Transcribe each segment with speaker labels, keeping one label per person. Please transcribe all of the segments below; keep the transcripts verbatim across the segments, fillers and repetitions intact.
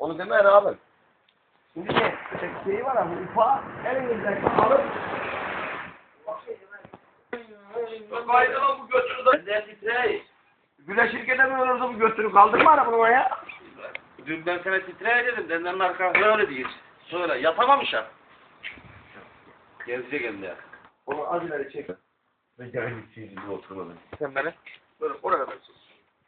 Speaker 1: Onu deme abi. Şimdi ne? Şeyi var ama ipa elinizden alıp kaydılan bu götünü de
Speaker 2: Ben titrey.
Speaker 1: güleşirken de mi olurdu bu götünü kaldırma arabanı ya.
Speaker 2: Dün ben sana titrey dedim. Denden arkası öyle değil. Söyle. Yatamamış ha. Gezecek hem de.
Speaker 1: Onu az ileri çek.
Speaker 2: Ben yarın gideceğiz gibi oturmadım.
Speaker 1: Sen beni böyle oraya kadar sus.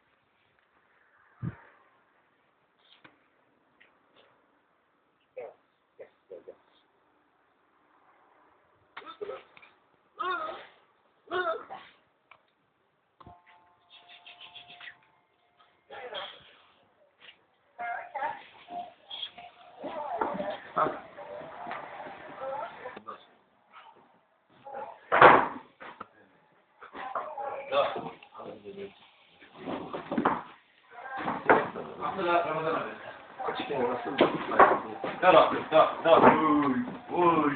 Speaker 2: Gel abi, gel, gel. Uy, uy.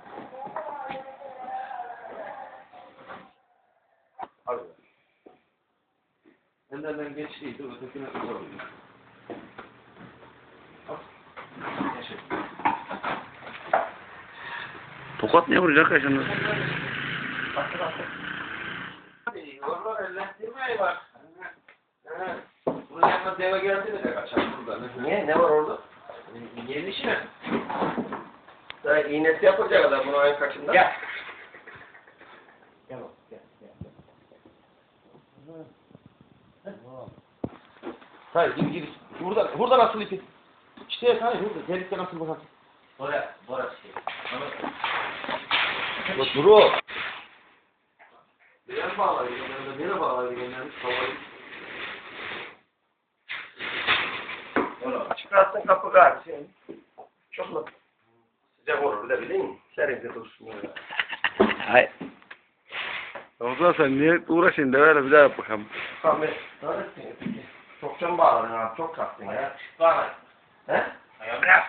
Speaker 2: Hadi. Benden geçtiydi, ötekine uzak.
Speaker 3: Tokat ne vuracak kaşınız?
Speaker 2: Hadi, oralar ellendirmeyi bak. Bunun yanına deve geldi mi de kaçar burada.
Speaker 1: Niye? Ne var orada?
Speaker 2: Yeni iş mi?
Speaker 1: Daha iğnesi yapılacak kadar bunu ayın kaçında?
Speaker 2: Gel.
Speaker 1: Gel oğlum, gel, gel.
Speaker 2: Hayır, gir gir. Burada, burada nasıl ipi? İşte hayır, burada. Delikte nasıl bakalım? Bora, bora şey.
Speaker 1: Bak duru.
Speaker 2: Nereye bağlaydı? Nereye bağlaydı? Genelmiş havayı.
Speaker 1: Çıkarsın kapı gari senin. Çok mu? Sıcak olur bir de bileyim mi? Serinde dursun böyle.
Speaker 3: Hayır. O zaman sen niye uğraşıyorsun de öyle bir daha yap bakalım.
Speaker 1: Tamam, neredesin ya peki? Çok can bağladın abi, çok kalktın ya.
Speaker 2: Bağla.
Speaker 1: He?
Speaker 2: Ayağım ya.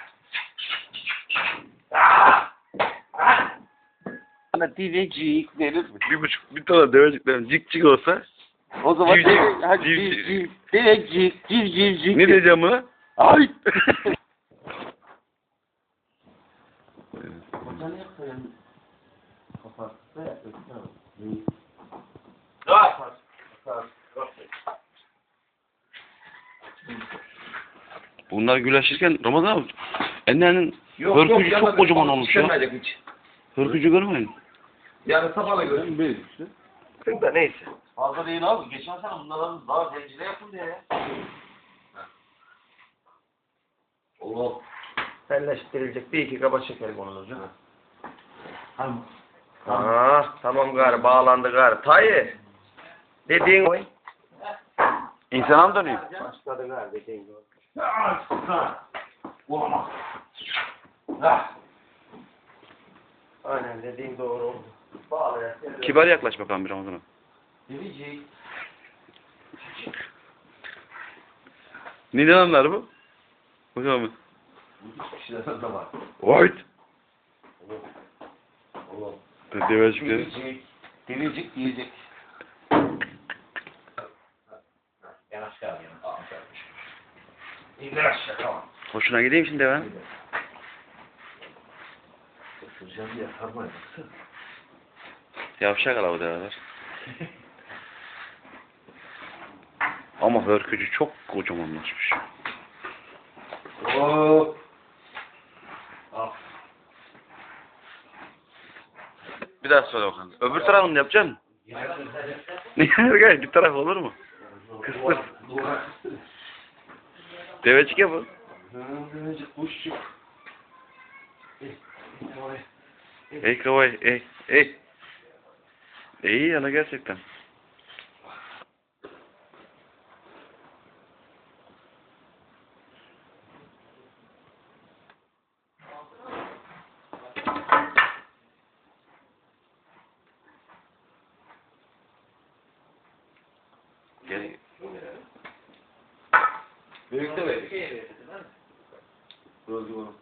Speaker 3: Bana divecik denir. Bir buçuk, bir tane deveciklerin cik cik olsa. O zaman Civciv, deve, hadi civciv. civciv, devecik, civcivcik. Ne diyeceğim ona? Ay!
Speaker 2: Kocanı yapayım. Kapat. Ne
Speaker 3: Bunlar güleşirken Ramazan abi. Ennenin hırkıcı çok kocaman olmuş ya.
Speaker 1: Hiç.
Speaker 3: Hırkıcı görmeyin.
Speaker 1: Yarın sabahla görürüm.
Speaker 3: Büyük işte.
Speaker 1: Da neyse.
Speaker 2: Fazla değil abi. Geçen sene bunların daha zencile yapıldı ya.
Speaker 1: Oğlum. Selleştirilecek bir iki kaba çekelim onun ucu.
Speaker 2: Tamam.
Speaker 1: Aa, tamam gari bağlandı gari. Tayyip. Dediğin oy.
Speaker 3: İnsana mı dönüyor?
Speaker 1: Başladı gari dediğin oy.
Speaker 2: Olamaz. Ah.
Speaker 1: Aynen dediğin doğru oldu. Bağlayan.
Speaker 3: Kibar yaklaş bakalım bir Ramazan'a.
Speaker 2: Devicik.
Speaker 3: Neden anlar bu? Bakalım.
Speaker 2: Kişilerden de var.
Speaker 3: White.
Speaker 2: Oğlum.
Speaker 3: Devecikleri.
Speaker 2: Devicik. Devicik diyecek. Yanaş gel yana. Aferin. İndir aşağı tamam.
Speaker 3: Hoşuna gideyim şimdi ben.
Speaker 2: Sıracağım diye sarmayın.
Speaker 3: Yavşak ala bu develer. Ama hırkıcı çok kocamanlaşmış.
Speaker 2: Hop. Al.
Speaker 3: Bir daha söyle bakalım. Öbür tarafını yapacaksın. Gel bir taraf olur mu? Kıstır. Devecik ya bu.
Speaker 2: Devecik kuşçuk.
Speaker 3: Ey kavay ey ey. İyi yana gerçekten. Gel.
Speaker 2: Büyük de verir. Gözlü bunu.